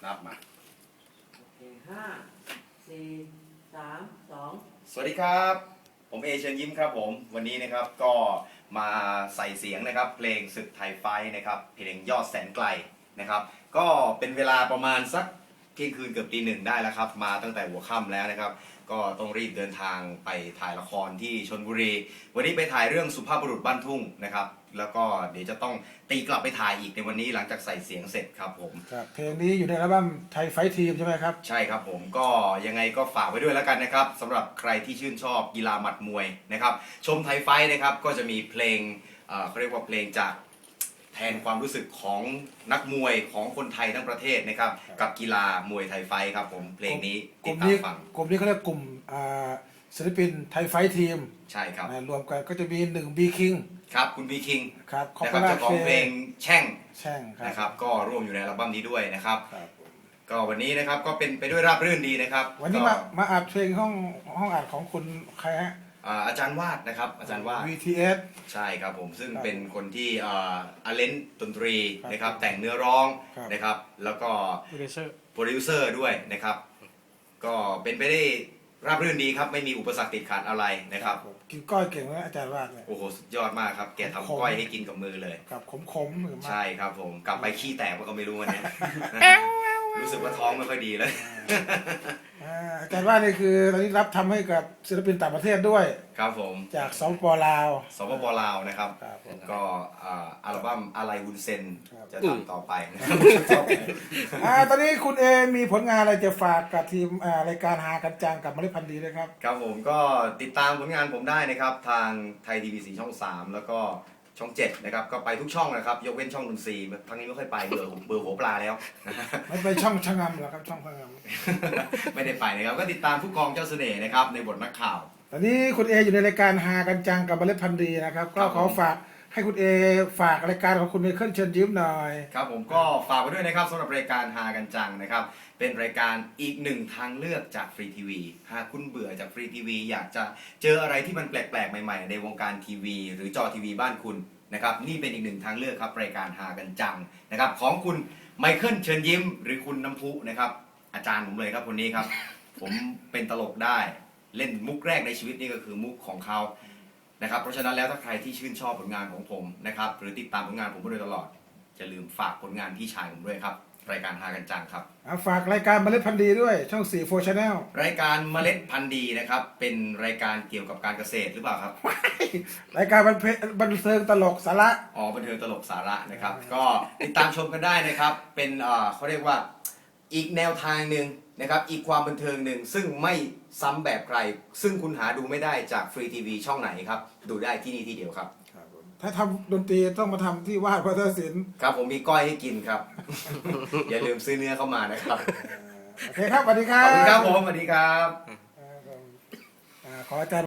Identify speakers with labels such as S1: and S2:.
S1: ครับมา
S2: โอเคห้าสี่สามสอง
S1: สวัสดีครับผมเชิญยิ้มครับผมวันนี้นะครับก็มาใส่เสียงนะครับเพลงศึกไทยไฟท์นะครับเพลงยอดแสนไกลนะครับก็เป็นเวลาประมาณสักเที่ยงคืนเกือบตีหนึ่งได้แล้วครับมาตั้งแต่หัวค่ำแล้วนะครับก็ต้องรีบเดินทางไปถ่ายละครที่ชลบุรีวันนี้ไปถ่ายเรื่องสุภาพบุรุษบ้านทุ่งนะครับแล้วก็เดี๋ยวจะต้องตีกลับไปถ่ายอีกในวันนี้หลังจากใส่เสียงเสร็จครับผม
S3: ครับเพลงนี้อยู่ในอัลบั้มไทยไฟท์ทีมใช่ไหมครับ
S1: ใช่ครับผมก็ยังไงก็ฝากไว้ด้วยแล้วกันนะครับสำหรับใครที่ชื่นชอบกีฬาหมัดมวยนะครับชมไทยไฟท์นะครับก็จะมีเพลงเขาเรียกว่าเพลงจากแทนความรู้สึกของนักมวยของคนไทยทั้งประเทศนะครับกับกีฬามวยไทยไฟท์ครับผมเพลงนี้ติดตามฟัง
S3: กลุ่มนี้เขาเรียกกลุ่มศิลปินไทยไฟท์ทีม
S1: ใช่ครับ
S3: รวมกันก็จะมี1บีคิง
S1: ครับคุณบีคิง
S3: ครับ
S1: นะครับเจ้าของเพลงแช่งนะครับก็ร่วมอยู่ในอัลบั้มนี้ด้วยนะครับก็วันนี้นะครับก็เป็นไปด้วยราบรื่นดีนะครับ
S3: วันนี้มาอัดเพลงห้องอัดของคุณใครฮะ
S1: อาจารย์วาดนะครับอาจารย์วาด
S3: VTS
S1: ใช่ครับผมซึ่งเป็นคนที่เลนดนตรีนะครับแต่งเนื้อร้องนะครับแล้วก็โปรดิวเซอร์ด้วยนะครับก็เป็นไปได้ราบรื่นดีครับไม่มีอุปสรรคติดขัดอะไรนะครับ
S3: กินก้อยเก่งไหมอาจารย์วาด
S1: โอ้โหสุดยอดมากครับแกทำก้อยให้กินกับมือเลย
S3: ครับขมหรือ
S1: ใช่ครับผมกลับไปขี้แตกก็ไม่รู้วันนี้รู้สึกว่าท้องไม่ค่อยดีเลย
S3: อาจารย์ว่านี่คือตอนนี้รับทำให้กับศิลปินต่างประเทศด้วย
S1: ครับผม
S3: จากสปลาว
S1: ลาวนะครับก็อัลบั้มอะไรวุ้นเซนจะทำต่อไป
S3: ตอนนี้คุณมีผลงานอะไรจะฝากกับทีมรายการหากันจังกับเมล็ดพันธุ์ดีด้วยครับ
S1: ครับผมก็ติดตามผลงานผมได้นะครับทางไทยทีวี4ช่อง3แล้วก็ช่อง7นะครับก็ไปทุกช่องนะครับยกเว้นช่องนนทรีทางนี้ไม่ค่อยไปเบอร์หัวปลาแล้ว
S3: ไม่ไปช่องชะงำหรอครับช่องชะง
S1: ำไม่ได้ไปนะครับก็ติดตามผู้กองเจ้าเสน่ห์นะครับในบทนักข่าว
S3: ตอนนี้คุณอยู่ในรายการหากันจังกับเมล็ดพันธุ์ดีนะครับก็ขอฝากให้คุณฝากรายการของคุณไมเคิลเชิญยิ้มหน่อย
S1: ครับผมก็ฝากไว้ด้วยนะครับสำหรับรายการหากันจังนะครับเป็นรายการอีกหนึ่งทางเลือกจากฟรีทีวีหากคุณเบื่อจากฟรีทีวีอยากจะเจออะไรที่มันแปลกๆใหม่ๆในวงการทีวีหรือจอทีวีบ้านคุณนะครับนี่เป็นอีกหนึ่งทางเลือกครับรายการหากันจังนะครับของคุณไมเคิลเชิญยิ้มหรือคุณน้ำพุนะครับอาจารย์ผมเลยครับคนนี้ครับผมเป็นตลกได้เล่นมุกแรกในชีวิตนี่ก็คือมุกของเขานะครับเพราะฉะนั้นแล้วถ้าใครที่ชื่นชอบผลงานของผมนะครับหรือติดตามผลงานผมมาโดยตลอดอย่าลืมฝากผลงานพี่ชายผมด้วยครับรายการหากันจังครับ
S3: ฝากรายการเมล็ดพันธุ์ดีด้วยช่อง4 4 Channel
S1: รายการเมล็ดพันธุ์ดีนะครับเป็นรายการเกี่ยวกับการเกษตรหรือเปล่าครับ
S3: รายการบันเทิงตลกสาระ
S1: บันเทิงตลกสาระนะครับก็ติดตามชมกันได้นะครับเป็นเขาเรียกว่าอีกแนวทางหนึ่งนะครับอีกความบันเทิงหนึ่งซึ่งไม่ซ้ำแบบใครซึ่งคุณหาดูไม่ได้จากฟรีทีวีช่องไหนครับดูได้ที่นี่ที่เดียวครับ
S3: ถ้าทำดนตรีต้องมาทำที่วาดวัฒนศิลป์
S1: ครับผมมีก้อยให้กินครับ อย่าลืมซื้อเนื้อเข้ามานะครับ
S3: โอเคครับสวัสดีครับ
S1: ขอบคุณครับผมสวัสดีครับ
S3: ขออาจารย์